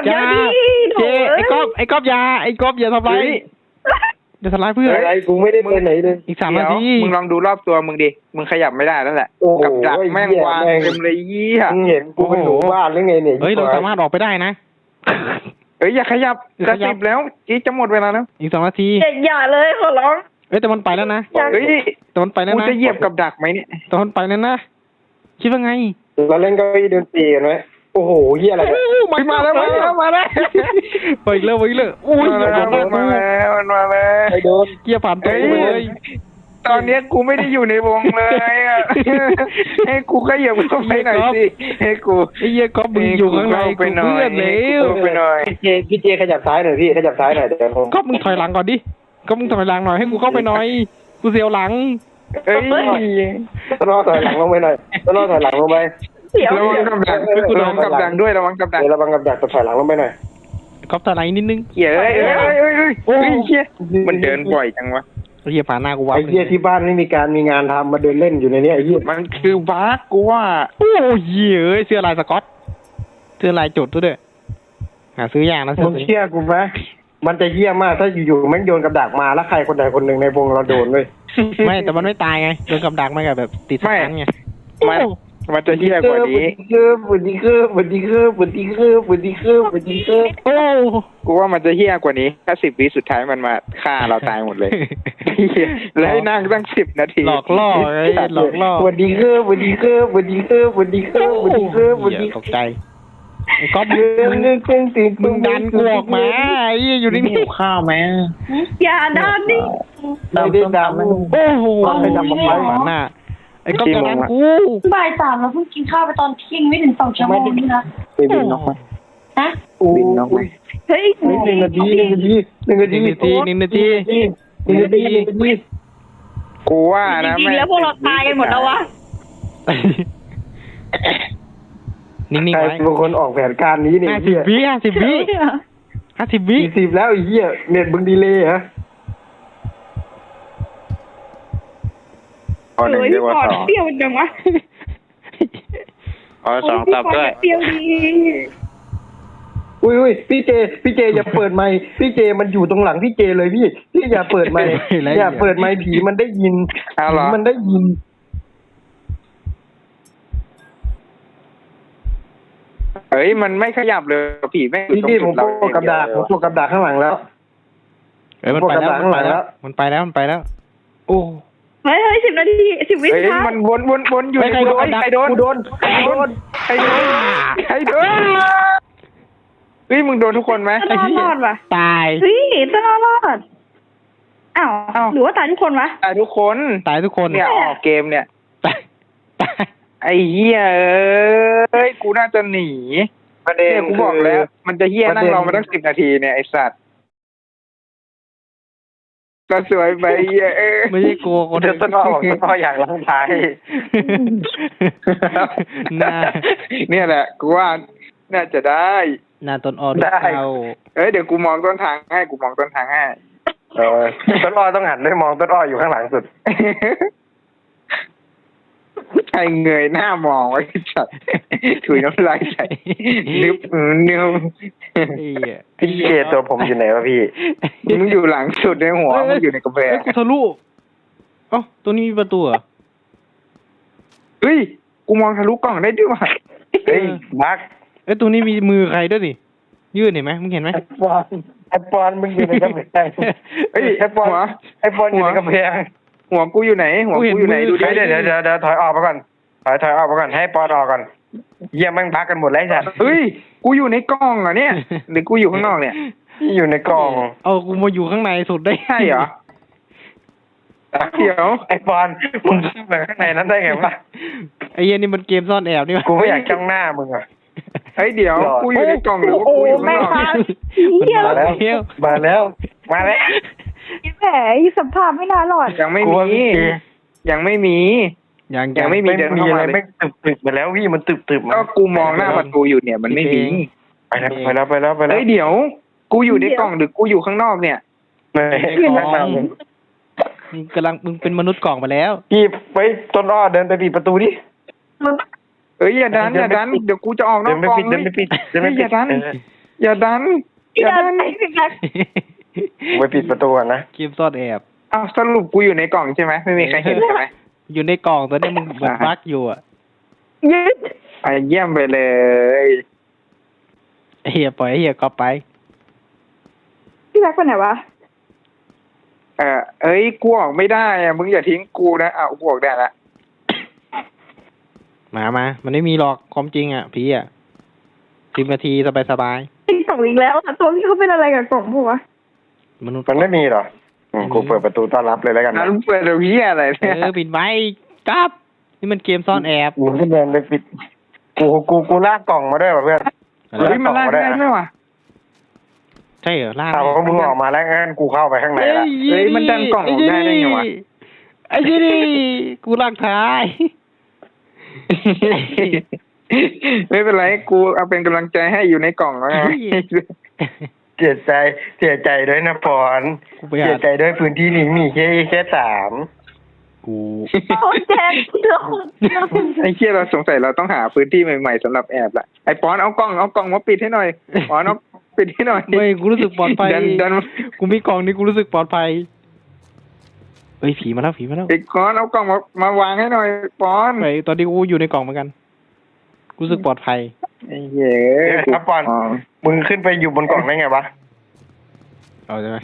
[SPEAKER 1] อย่า
[SPEAKER 4] โถ
[SPEAKER 1] เจไอ้ก๊อฟอย่าทำไรอย่าทำร้ายเพื่อน
[SPEAKER 2] อะไรกูไม่ได้ไปไหนเลย
[SPEAKER 1] อีก3 นา
[SPEAKER 3] เดี๋ยว
[SPEAKER 1] ที
[SPEAKER 3] มึงลองดูรอบตัวมึงดิมึงขยับไม่ได้นั่นแหละ
[SPEAKER 2] โอ้โห
[SPEAKER 3] กับดักแม่ง
[SPEAKER 2] เหี้ยว
[SPEAKER 3] าง
[SPEAKER 2] แม่ง
[SPEAKER 3] เต็มเลยเยี่ย
[SPEAKER 2] มึงเห็นกูเป็นหนูบ้านหรือไงเนี่ย
[SPEAKER 1] เฮ้ยเราสามารถออกไปได้นะ
[SPEAKER 3] เอ้ยอย่าขยับ
[SPEAKER 1] อย่า
[SPEAKER 3] จะ
[SPEAKER 1] ขยับ
[SPEAKER 3] 10แล้วจีจะหมดเวลาแล้ว
[SPEAKER 1] อีก2 นาที
[SPEAKER 4] อย่าเลยขอร้อง
[SPEAKER 1] เอ้ยแต่มันไปแล้วนะ
[SPEAKER 3] เฮ้ย
[SPEAKER 1] แต่มันไปแล้ว
[SPEAKER 3] กู
[SPEAKER 1] นะ
[SPEAKER 3] จะเหยียบกับดักไหมเนี่ย
[SPEAKER 1] แต่มันไปแล้วนะคิดว่าไง
[SPEAKER 2] เราเล่นเก้าอี้ดนตรีกันไหมโอ้โหเฮียอะไรเนี่ย
[SPEAKER 3] มาแล้ว
[SPEAKER 1] ไปอีกแล้วอุ้ย
[SPEAKER 3] มา
[SPEAKER 1] อย่า
[SPEAKER 3] แล้ว
[SPEAKER 1] บอกนะ
[SPEAKER 3] มาแล้ว
[SPEAKER 2] ไอ้โดน
[SPEAKER 1] เกียร์ผ่านตัวไปเลย
[SPEAKER 3] ตอนเนี้ยกูไม่ได้อยู่ในวงเลยอ่ะ ให้กูขยับเข้าไปหน่อยสิให้กู
[SPEAKER 1] ไอ้เหี้ยก๊อฟมึงอยู่ข้างใน
[SPEAKER 3] ไปหน่อย
[SPEAKER 1] เพื่อนแล้ว
[SPEAKER 3] ไปหน่อย
[SPEAKER 2] พี่เจขยับซ้ายหน่อยพี่ขยับซ้ายหน่อยเดี๋ยวผม
[SPEAKER 1] ก๊อฟมึงถอยหลังก่อนดิก๊อฟมึงถอยหลังหน่อยให้กูเข้าไปหน่อยกูเสียวหลัง
[SPEAKER 3] เอ้ย
[SPEAKER 2] ต้นอ้อถอยหลังลงไปหน่อยต้นอ้อถอยหลังลงไป
[SPEAKER 4] เสียว
[SPEAKER 3] ระวังกับดักระวังกับดักด้วยระวังกับดัก
[SPEAKER 2] เดี๋ยวระวังกับดักถอยหลังลงไปหน่อย
[SPEAKER 1] ก๊อฟถอยหลังนิดนึง
[SPEAKER 3] เหี้ยเอ้ยเหี้ยมันเดินบ่อยจังวะ
[SPEAKER 1] ไอ้เหี้ยผ่านหน้ากูวับ
[SPEAKER 2] ไอ้เฮียที่บ้านไม่มีการมีงานทำมาเดินเล่นอยู่ในนี้ไอ้เฮีย
[SPEAKER 3] มันคือบั๊กกูว่า
[SPEAKER 1] โอ้ยเหี้ยเอ้ยเสื้อลายสก๊อตเสื้อลายจุดด้วยหาซื้อยากนะเสื้
[SPEAKER 2] มึ
[SPEAKER 1] อง
[SPEAKER 2] เชื่อกูไหมมันจะเฮี้ยมากถ้าอยู่ๆแม่งโยนกับดักมาแล้วใครคนใดคนหนึ่งในวงเราโดนเลย
[SPEAKER 1] ไม่แต่มันไม่ตายไงโดนกับดักมันแบบติดสตันไง
[SPEAKER 3] มันจะเหี้ยกว่านี้
[SPEAKER 2] บุดีคือบุดีคือบุดีคือบุดีคือบุดีคือ
[SPEAKER 1] โอ้
[SPEAKER 3] กูว่ามันจะเหี้ยกว่านี้แค่10 วิสุดท้ายมันมาฆ่าเราตายหมดเลยแล้วให้นั่งตั้ง10 นาที
[SPEAKER 1] หลอกล่อไงหลอกล่อ
[SPEAKER 2] บุดีคือบุดีคือบุดีคือบุดีคือบุดีคือบุดี
[SPEAKER 1] ตกใจไอ้ก๊อฟ มึงดันกูออกมาไอ้เหี้ยอยู่นิ่งๆ
[SPEAKER 2] ข้าวไหม
[SPEAKER 4] อย่าดันดิ
[SPEAKER 2] ไม่ได้ดำ
[SPEAKER 1] โอ้โห
[SPEAKER 2] ไปทำกับใคร
[SPEAKER 1] หมาหน้าไอ้ก๊อฟจะดันกู
[SPEAKER 4] บ่าย 3เราเพิ่งกินข้าวไปตอนเที่ยงไม่ถึง2 ชั่วโมงนี่นะ
[SPEAKER 2] ไปบินนกไหม
[SPEAKER 4] ฮะ
[SPEAKER 2] บินนกไหม
[SPEAKER 4] เฮ้ย
[SPEAKER 2] 1 นาที1 นาที
[SPEAKER 1] 1 นาที
[SPEAKER 2] 1 นาที
[SPEAKER 3] กูว่า
[SPEAKER 4] จ
[SPEAKER 3] นะ
[SPEAKER 4] ริงๆแล้วพวกเราตายกันหมดแล้ววะ
[SPEAKER 1] นิ่งๆ
[SPEAKER 2] ใคร
[SPEAKER 1] ไว้
[SPEAKER 2] เป็นคนออกแผนการนี้เนี่ย
[SPEAKER 1] 50 วิ50 วิ
[SPEAKER 2] 40แล้วไอ้เหี้ยเน็ตมึงดีเลยฮะ
[SPEAKER 3] เอา1เรียกว่า
[SPEAKER 4] เปรี้ยวจังวะ
[SPEAKER 3] 2เอา2ตอบด้วย
[SPEAKER 4] เปรี้ยวดี
[SPEAKER 2] อุ้ยพี่เจอย่าเปิดไมค์พี่เจมันอยู่ตรงหลังพี่เจเลยพี่อย่าเปิดไมค์อย่าเปิดไมค์ผีมันได้ยิน
[SPEAKER 3] เอาเหรอ
[SPEAKER 2] มันได้ยิน
[SPEAKER 3] เฮ้ยมันไม่ขยับเลยผีแม่งอยู่ตรง
[SPEAKER 2] พี่ผ
[SPEAKER 3] จุ
[SPEAKER 2] ม
[SPEAKER 3] ดเรา
[SPEAKER 2] โปกับดักผมโปกับดักข้างหลังแล้ว
[SPEAKER 1] มันไปแล้วมันไปแล้วโอ้
[SPEAKER 4] เฮ้ย10 นาที10 วิ
[SPEAKER 3] เฮ้ย
[SPEAKER 4] สุดท้าย
[SPEAKER 3] มันวนอยู่
[SPEAKER 1] ใครโดน
[SPEAKER 3] ใครโดน
[SPEAKER 2] กูโดน
[SPEAKER 3] ใครโดนเฮ้ยมึงโดนทุกคนไหม
[SPEAKER 4] ต้นอ้อรอดว่ะ
[SPEAKER 1] ตาย
[SPEAKER 4] เฮ้ยต้นอ้อรอดอ้าวหรือว่าตายทุกคนวะ
[SPEAKER 3] ตายทุกคน
[SPEAKER 1] ตายทุกคน
[SPEAKER 3] เนี่ยออกเกมเนี่ย
[SPEAKER 1] ตาย
[SPEAKER 3] ไอ้เหี้ยเอ้ยกูน่าจะหนี
[SPEAKER 2] ประเด็น
[SPEAKER 3] เนี่ยกูบอกแล้ว มันจะเหี้ยนั่งรอมาตั้ง10 นาทีเนี่ยไอ้สัตว์ก็สวยไปเหี้ย
[SPEAKER 1] ไม่ใช่กลัวคน
[SPEAKER 2] เดี๋ยวต้นอ้อบอกต้นอ้ออยากล้างท้าย
[SPEAKER 1] หน้า
[SPEAKER 3] เนี่ยแหละกูว่าน่าจะได้
[SPEAKER 1] หน้าต้นอ้อดูเข้า
[SPEAKER 3] เอ้ยเดี๋ยวกูมองต้นทางให้
[SPEAKER 2] ต้นอ้อต้องหันด้วยมองต้นอ้ออยู่ข้างหลังสุด
[SPEAKER 3] ใครเงยหน้ามองไว้จัดถุยน้ำลายใส่นึบ
[SPEAKER 1] ไอ้
[SPEAKER 2] พี่เจตัวผมอยู่ไหนวะพี่
[SPEAKER 3] มึงอยู่หลังสุดในหัวมึงอยู่ในกระแพง
[SPEAKER 1] กูทะลุเอ้าตัวนี้มีประตูเหรอ
[SPEAKER 3] เฮ้ยกูมองทะลุกล่องได้ด้วยว่ะ
[SPEAKER 2] เฮ้ยบัก
[SPEAKER 1] เอ้ยตัวนี้มีมือใครด้วยดิยื่นเห็นไหมมึงเห็นไหม
[SPEAKER 2] ไอปอนมึงอยู่ในกำแพง
[SPEAKER 3] เฮ้ย
[SPEAKER 2] ไอปอนอยู่ในกำแพง
[SPEAKER 3] หัวกูอยู่ไหนดูดิ
[SPEAKER 2] เดี๋ยวถอยออกมาก่อนถอยออกมาก่อนให้ปอนออกก่อนเยี่ยมแม่งพักกันหมดแล้วจ้ะ
[SPEAKER 3] เฮ้ยกูอยู่ในกล่องอ่ะเนี่ยหรือกูอยู่ข้างนอกเนี่ย
[SPEAKER 2] ที่อยู่ในกล่อง
[SPEAKER 1] เอากูมาอยู่ข้างในสุดได้
[SPEAKER 3] ใช่เหรอเดี๋ยว
[SPEAKER 2] ไอปอนมึงเข้าไปข้างในนั้นได้ไงวะ
[SPEAKER 1] ไอ้เหี้ยนี่มันเกมซ่อนแอบนี่วะ
[SPEAKER 2] กูไม่อยากจ้องหน้ามึงอ่ะ
[SPEAKER 3] เฮ้ยเดี๋ยวกูอยู่ในกล่องหรือว่ากูอยู่ข้างนอก
[SPEAKER 1] มันมาแล้ว
[SPEAKER 2] มาแล้วมาแล้ว
[SPEAKER 4] แผลสัมผัสไม่น่ารอด
[SPEAKER 3] ยังไม่มี
[SPEAKER 1] ยังไม่มี
[SPEAKER 2] ไม่มีอะไรไม่ตึบๆมาแล้วพี่มันตึบๆมา
[SPEAKER 3] ก็กูมองหน้าประตูอยู่เนี่ยมันไม่มี
[SPEAKER 2] ไปแล้ว
[SPEAKER 3] เฮ้ยเดี๋ยว กูอยู่ในกล่องหรือกูอยู่ข้างนอกเนี่ย
[SPEAKER 1] มึงเป็นมนุษย์กล่องไปแล้ว
[SPEAKER 2] พี่ไปต้นอ้อเดินไปปิดประตูดิ
[SPEAKER 3] เฮ้ยอย่าดันเดี๋ยวกูจะออกนอกกล่อง
[SPEAKER 2] เดินไปปิด
[SPEAKER 3] อย่าดันอย่าดัน
[SPEAKER 4] พี่ดันไปพี่ดัน
[SPEAKER 2] กูไปปิดประตูก่อนนะ
[SPEAKER 1] เกมซ่อนแอบ
[SPEAKER 3] อ้าวสรุปกูอยู่ในกล่องใช่ไหมไม่มีใครเห็นใช่ไหม
[SPEAKER 1] อยู่ในกล่องตอนนี้มึงเหมือนบั๊กอยู่อ่ะ
[SPEAKER 4] ยืด
[SPEAKER 3] ไปเยี่ยมไปเลย
[SPEAKER 1] ไอ้เฮียปล่อยไอ้เฮียก็ไป
[SPEAKER 4] พี่แบ็คไปไหนวะ
[SPEAKER 3] เอ้ยกูออกไม่ได้อะมึงอย่าทิ้งกูนะอ้าวกูออกได้ละ
[SPEAKER 1] มามันไม่มีหรอกความจริงอ่ะผีอ่ะ10 นาทีสบาย
[SPEAKER 4] ติดกล่องอีกแล้วอะตัวพี่เขาเป็นอะไรกับกล่องพวกวะ
[SPEAKER 1] ๆมนุษย์
[SPEAKER 2] มันไม่มีหรอกูเปิดประตูต้อนรับเลยแล้วกัน
[SPEAKER 3] นั้
[SPEAKER 2] นะ
[SPEAKER 3] นเปิดเรื่องอะไรเนี่ย
[SPEAKER 1] ปิดไว้กับนี่มันเกมซ่อนแอบ
[SPEAKER 2] กูขึ้นเดินไปปิดกูลากกล่องมาด้วยว่ะเพื่อน
[SPEAKER 3] เฮ้ยมันลากได้ไหมวะ
[SPEAKER 1] ใช่เหรอล่า
[SPEAKER 2] ถ้าว่ามึงออกมาแล้วงั้นกูเข้าไปข้างในละ
[SPEAKER 3] เฮ้ยมันดันกล่องออกได้ได้ไงวะ
[SPEAKER 1] ไอ้ยี่นี่กูลากท้าย
[SPEAKER 3] ไม่เป็นไรกูเอาเป็นกำลังใจให้อยู่ในกล่องแล้วไง
[SPEAKER 2] เสียใจด้วยนะปอน
[SPEAKER 1] กูไป
[SPEAKER 2] เสี
[SPEAKER 1] หาย
[SPEAKER 2] ใจด้วยพื้นที่นี้มีแค่3
[SPEAKER 1] กู
[SPEAKER 4] โอ้แจนเรื่อง
[SPEAKER 3] ไอ้เชี่ยเราสงสัยเราต้องหาพื้นที่ใหม่ๆสำหรับแอบละไอ้ปอนเอากล่องมาปิดให้หน่อยปอนเอาปิดให้หน่อย
[SPEAKER 1] ไม่กูรู้สึกปลอดภัย
[SPEAKER 3] ดัน
[SPEAKER 1] กูมีกล่องนี้กูรู้สึกปลอดภัยเฮ้ยผีมาแล้ว
[SPEAKER 3] ไอ้ก้อนเอากล่องมาวางให้หน่อยปอน
[SPEAKER 1] ไปตอนนี้กูอยู่ในกล่องเหมือนกันกูรู้สึกปลอดภัย
[SPEAKER 3] ไอ้เหี้ย
[SPEAKER 2] ครับปอนมึงขึ้นไปอยู่บนกล่องได้ไงวะ
[SPEAKER 1] เอาใช่ไหม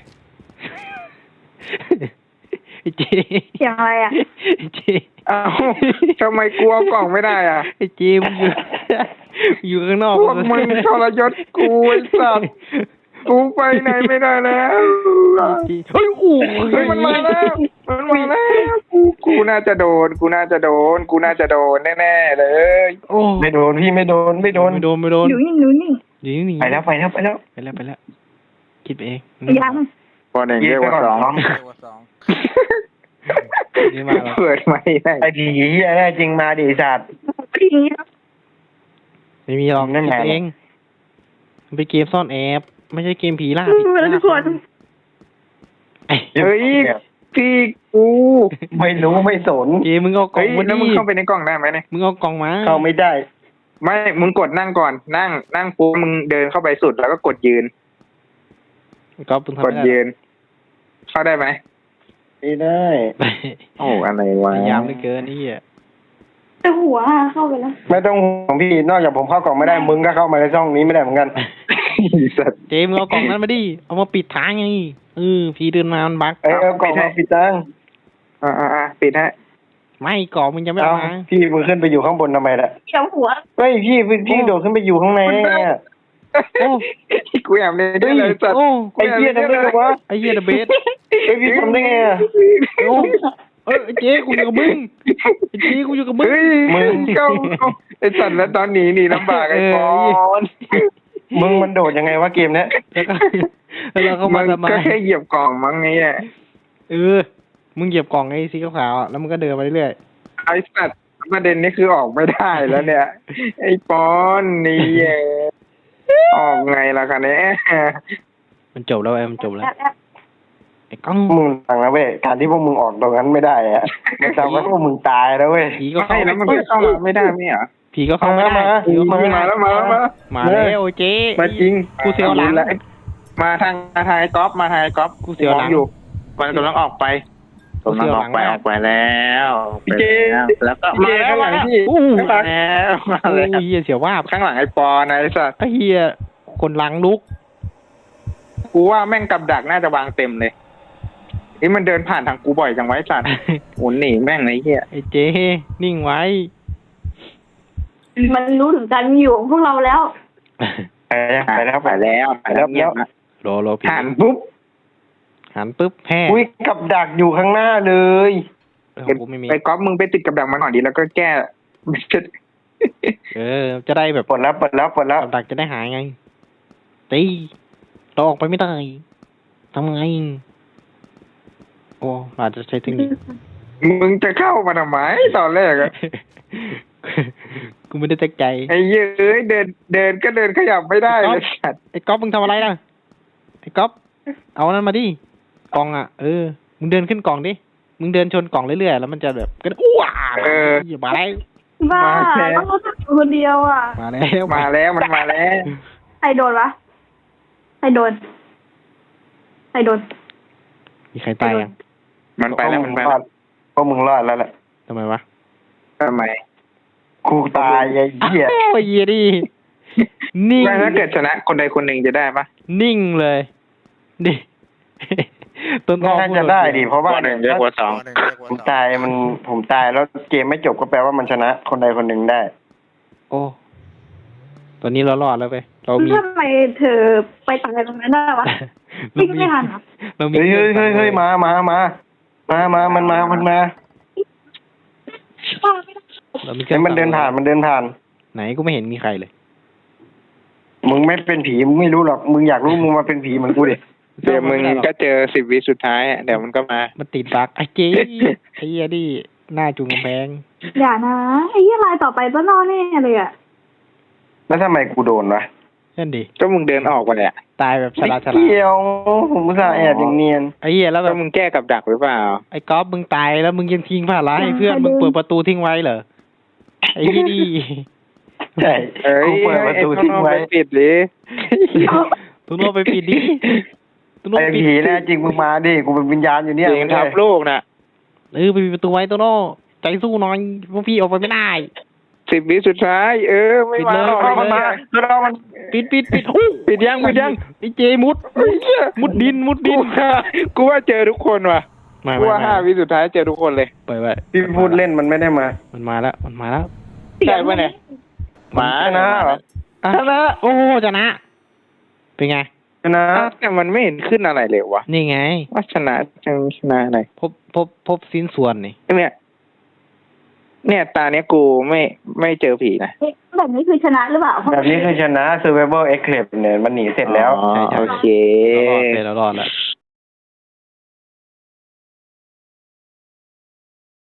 [SPEAKER 1] ไอ้เจ
[SPEAKER 4] เสียงอะไรอ่ะ
[SPEAKER 1] ไอ้เจ
[SPEAKER 3] อ้าวทำไมกูเอากล่องไม่ได้อ่ะ
[SPEAKER 1] ไอ้เจมึงอยู่ข้างนอก
[SPEAKER 3] พวกมึงทรยศกูไอ้สัตว์กูไปไหนไม่ได้แล้ว
[SPEAKER 1] เฮ้ยโอ้
[SPEAKER 3] เฮ้ยมันมาแล้วกูน่าจะโดนแน่ๆเลย
[SPEAKER 1] โอ้
[SPEAKER 2] ไม่โดนพี่ไม่โดน
[SPEAKER 1] ไม่โดน
[SPEAKER 4] อยู่นี่อยู่นี่
[SPEAKER 1] อยู่นี่
[SPEAKER 2] ไปแล้ว
[SPEAKER 1] ไปแล้วคิดไปเอง
[SPEAKER 4] ยัง
[SPEAKER 3] ปอนเองเรียกว่าสอง
[SPEAKER 1] นี่มาแล้ว
[SPEAKER 3] เปิดไม่ได้
[SPEAKER 2] ไอ้ผีเหี้ยแน่จริงมาดิสัตว์
[SPEAKER 4] พี่นี้
[SPEAKER 1] ไม่มีหรอก
[SPEAKER 2] นั่น
[SPEAKER 1] คิด
[SPEAKER 2] ไง
[SPEAKER 1] ไปเองมันเป็นเกมซ่อนแอบไม่ใช่เกมผีล่า
[SPEAKER 4] ทุกคน
[SPEAKER 3] เฮ้ยพี่กู
[SPEAKER 2] ไม่รู้ไม่สน
[SPEAKER 1] เกมมึงเอากล่อ
[SPEAKER 3] เฮ้
[SPEAKER 1] ง
[SPEAKER 3] ย
[SPEAKER 1] มา
[SPEAKER 3] แล้ว
[SPEAKER 1] ดิ
[SPEAKER 3] มึงเข้าไปในกล่องได้ไหมเนี่ย
[SPEAKER 1] มึงเอากล่องมา
[SPEAKER 2] เข้าไม่ได้
[SPEAKER 3] ไม่มึงกดนั่งก่อนนั่งปุ๊บมึงเดินเข้าไปสุดแล้วก็กดยืน
[SPEAKER 1] ก็มึงทำ
[SPEAKER 3] กด
[SPEAKER 1] ไม่ได้
[SPEAKER 3] ยืน เข้าได้ไหม
[SPEAKER 2] ไม่ได้
[SPEAKER 3] โอ้อะไรวะ
[SPEAKER 1] พยายามเหลือเกินนี่อ่ะ
[SPEAKER 4] แต่หัวเข้าไปแล้ว
[SPEAKER 2] ไม่ต้องห่วงพี่นอกจากผมเข้ากล่องไม่ได้มึงก็เข้ามาในช่องนี้ไม่ได้เหมือนกัน
[SPEAKER 3] สัตว์
[SPEAKER 1] เจมึงเอากล่องนั้นมาดิเอามาปิดทางไงผีเดินมามันบั๊ก
[SPEAKER 2] เอากล่องมาปิดตัง
[SPEAKER 3] ปิดฮะ
[SPEAKER 1] ไม่กล่องมึงจะไม่
[SPEAKER 2] เอา
[SPEAKER 1] เอามา
[SPEAKER 2] พี่มึงขึ้นไปอยู่ข้างบนทำไมล่ะ
[SPEAKER 4] เสียงหัว
[SPEAKER 2] เฮ้ยพี่โดดขึ้นไปอยู่ข้างในได้ไงอะ
[SPEAKER 1] โอ้
[SPEAKER 3] กูแอบเลยด้วยเลยสัตว์
[SPEAKER 1] โอ้
[SPEAKER 2] ไอ้เหี้ยทำได้ไงวะ
[SPEAKER 1] ไอ้เหี้ยเดอะเบส
[SPEAKER 2] เฮ้ยพี่ทำได้ไงอะ
[SPEAKER 1] โอ้ไอ้เจ๊กูอยู่กับมึงไอ้เจ๊กูอยู่กับมึง
[SPEAKER 3] เฮ้ยมึงเข้าไอ้สัตว์แล้วตอนหนีลำบากไอ้ปอน
[SPEAKER 2] มึงมันโดดยังไงวะเกมเนี้ย
[SPEAKER 1] แล้วเราเข้า
[SPEAKER 3] มั
[SPEAKER 1] มาน ทำไม
[SPEAKER 3] ก็แค่เหยียบกล่องมั้งไงอ่ะ
[SPEAKER 1] มึงเหยียบกล่องไอ้สีขาวๆอะแล้วมึงก็เดินไปเรื่อย
[SPEAKER 3] ไอ้สัตว์ประเด็นนี้คือออกไม่ได้แล้วเนี่ย ไอ้ปอนนี่ออกไงล่ะคะเนี่ย
[SPEAKER 1] มันจบแล้วมันจบแล้ว
[SPEAKER 4] แอบ
[SPEAKER 1] ไอ้กล้อง
[SPEAKER 2] มึงฟังนะเว้ยการที่พวกมึงออกตรงนั้นไม่ได้อะมันทำให้พวกมึงตายแล้วเว้ย
[SPEAKER 1] ผีก็
[SPEAKER 3] ใช่
[SPEAKER 1] เข้า
[SPEAKER 3] แล้วมันก็เข้ามาไม่ได้ไม่เหรอ
[SPEAKER 1] ผีก็เข้าไม่ได้ ผีก็เข้าไม่ได้
[SPEAKER 3] มาแล้ว
[SPEAKER 1] มาแล้วเจ๊
[SPEAKER 3] มาจริง
[SPEAKER 1] กูเสียวหลัง
[SPEAKER 3] มาทางไอ้ก๊อฟ
[SPEAKER 1] กูเสียวหลัง
[SPEAKER 3] อยู่มันกำลังออกไป
[SPEAKER 1] ผมกำลังออกไปแล้ว
[SPEAKER 3] พี่เจ
[SPEAKER 1] แล้วก็
[SPEAKER 3] พี่เจข้างหลังพี่
[SPEAKER 1] อู้
[SPEAKER 3] ข้างหลังแล้วมา
[SPEAKER 1] โอ้
[SPEAKER 3] เลย
[SPEAKER 1] ยเฮียเสียวว่าบ
[SPEAKER 3] ข้างหลังไอ้ปอนไอ้สัตว์
[SPEAKER 1] ไอ้เฮียคนหลังลุก
[SPEAKER 3] กูว่าแม่งกับดักน่าจะวางเต็มเลยนี่มันเดินผ่านทางกูบ่อยจังไวะไอ้สัตว์หมุนหนีแม่งไอ้เหี้ย
[SPEAKER 1] ไอ้เจ๊นิ่งไว้
[SPEAKER 4] มันรู้ถึงการมีอยู่ของพวกเราแล้ว
[SPEAKER 2] ไปแล้ว
[SPEAKER 1] รอผี
[SPEAKER 3] ผ่านปุ๊บ
[SPEAKER 1] หันปุ๊บแพ้
[SPEAKER 2] อุ้ยกับดักอยู่ข้างหน้าเลย
[SPEAKER 1] กูไม่มี
[SPEAKER 3] ไปก๊อฟมึงไปติดกับดักมันก่อนดีแล้วก็แก้
[SPEAKER 1] จะได้แบบ
[SPEAKER 2] ปลดแล้ว
[SPEAKER 1] กับดักจะได้หายไงตีเราออกไปไม่ได้ทำไงโอ้อาจจะใช้เทคนิค
[SPEAKER 3] มึงจะเข้ามาทำไมตอนแรกอะ
[SPEAKER 1] กูไม่ได้ตั้งใจ
[SPEAKER 3] ไอ้เย้ยเดินก็เดินขยับไม่ได้เลยสัตว์
[SPEAKER 1] ไอ้ก๊อฟมึงทำอะไรนะไอ้ก๊อฟเอานั้นมาดิกล่องอ่ะมึงเดินขึ้นกล่องดิมึงเดินชนกล่องเรื่อยๆแล้วมันจะแบบก็อ้วอย่ามาแล้ว
[SPEAKER 4] บ้าต้องรู้สึกอยู่คนเดียวอ่ะ
[SPEAKER 1] มาแล้ว
[SPEAKER 3] มาแล้วมันมาแล้ว
[SPEAKER 4] ใครโดนวะใครโดน
[SPEAKER 1] มีใครตายยัง
[SPEAKER 3] มันไปแล้วมันไป
[SPEAKER 2] ร
[SPEAKER 3] แล้
[SPEAKER 2] อ
[SPEAKER 3] ว
[SPEAKER 2] ดพวกมึงรอดแล้วแหละ
[SPEAKER 1] ทำไมวะ
[SPEAKER 3] ทำไม
[SPEAKER 2] กูตายไอ้เหี้ย
[SPEAKER 1] โอ้ยเหี้ยดินิ่ง
[SPEAKER 3] ไม่ถ้าเกิดชนะคนใดคนหนึ่งจะได้ปะ
[SPEAKER 1] นิ่งเลยดิต้นอ้อ
[SPEAKER 2] น่าจะได้ดิเพราะว่า
[SPEAKER 3] หนึ่งเยอะกว่าสอง
[SPEAKER 2] ผมตายผมตายแล้วเกมไม่จบก็แปลว่ามันชนะ คนใดคนหนึ่งได้
[SPEAKER 1] โอ้ตอนนี้เรารอดแล้วไปเรามี
[SPEAKER 4] ทำไมเธอไปตายตรงนั้นได้วะ พี่ก็ไม่ทันเหรอ
[SPEAKER 1] เรามี
[SPEAKER 2] เฮ้ยมามันมา
[SPEAKER 1] เรามี
[SPEAKER 2] เห็นมันเดินผ่าน
[SPEAKER 1] ไหนกูไม่เห็นมีใครเลย
[SPEAKER 2] มึงไม่เป็นผีมึงไม่รู้หรอกมึงอยากรู้มึงมาเป็นผีเหมือนกูดิ
[SPEAKER 3] เดี๋ยวมึงก็เจอ10 วิสุดท้ายเดี๋ยวมันก็มา
[SPEAKER 1] มันติดบักไอ้เจ๊ไอ้เหี้ยดิหน้าจุงกำแพง
[SPEAKER 4] อย่านะไอ้ยี่ลายต่อไปต้นนอนแน่เลยอ่ะ
[SPEAKER 2] แล้วทำไมกูโดนวะ
[SPEAKER 1] นั่นดิ
[SPEAKER 3] ก็มึงเดินออกไปแหละ
[SPEAKER 1] ตายแบบฉลาด
[SPEAKER 2] ไม่เกี่ยวผมอุตส่าห์แอบอย่างเนียน
[SPEAKER 1] ไอ้เหี้ยแล้วแบ
[SPEAKER 3] ก็
[SPEAKER 1] บ
[SPEAKER 3] มึงแก้กับดักหรือเปล่า
[SPEAKER 1] ไอ้ก๊อฟมึงตายแล้วมึงยังทิ้งผ้าร้ายให้เพื่อนมึงเปิดประตูทิ้งไว้เหรอไอ้พี่ดี
[SPEAKER 2] ใช่
[SPEAKER 3] เอ้ย
[SPEAKER 2] กูเปิดประตูทิ้งไว้
[SPEAKER 3] อ้ปิดดิ
[SPEAKER 1] ตุนโนไปปิดดิตุนโน
[SPEAKER 2] ไอ้
[SPEAKER 1] ปิด
[SPEAKER 2] ผีแน่จริงมึงมาดิกูเป็นวิญญาณอยู่เนี่ย
[SPEAKER 3] จริงทับลูกน่ะ
[SPEAKER 1] ไปปิดประตูไว้ตุนโนใจสู้หน่อยพวกพี่ออกไปไม่ได้
[SPEAKER 3] 10 วิสุดท้าย ไม่
[SPEAKER 1] ปิด
[SPEAKER 3] มา
[SPEAKER 1] เลย
[SPEAKER 3] หรอก
[SPEAKER 1] ปิดเลย
[SPEAKER 3] มันมาแล้วมัน
[SPEAKER 1] ปิดโอ้
[SPEAKER 3] ปิดยัง
[SPEAKER 1] ไอ้เจมุดดิน
[SPEAKER 3] กูว่าเจอทุกคนว่ะ
[SPEAKER 1] ไม่
[SPEAKER 3] กูว่า5 วิสุดท้ายเจอทุกคนเลย
[SPEAKER 1] เปิดไว้
[SPEAKER 2] พี่พูดเล่นมันไม่ได้มา
[SPEAKER 1] มันมาแล้ว
[SPEAKER 3] ใช่ปะเนี่ยมา
[SPEAKER 2] ชนะเหรอ
[SPEAKER 1] ชนะโอ้ชนะเป็นไง
[SPEAKER 2] ชนะ
[SPEAKER 3] แต่มันไม่เห็นขึ้นอะไรเลยวะ
[SPEAKER 1] นี่ไง
[SPEAKER 3] ว่าชนะอะไร
[SPEAKER 1] พบสิ้นส่วนนี่
[SPEAKER 3] เนี่ยตาเนี้ยกูไม่เจอผีนะ
[SPEAKER 4] แบบนี้คือชนะหรือเปล่า
[SPEAKER 2] แบบนี้คือชนะ Survival Eclipse เนี่ยมันหนีเสร็จแล้ว
[SPEAKER 3] อ๋อโอเค
[SPEAKER 1] เรารอดแล้ว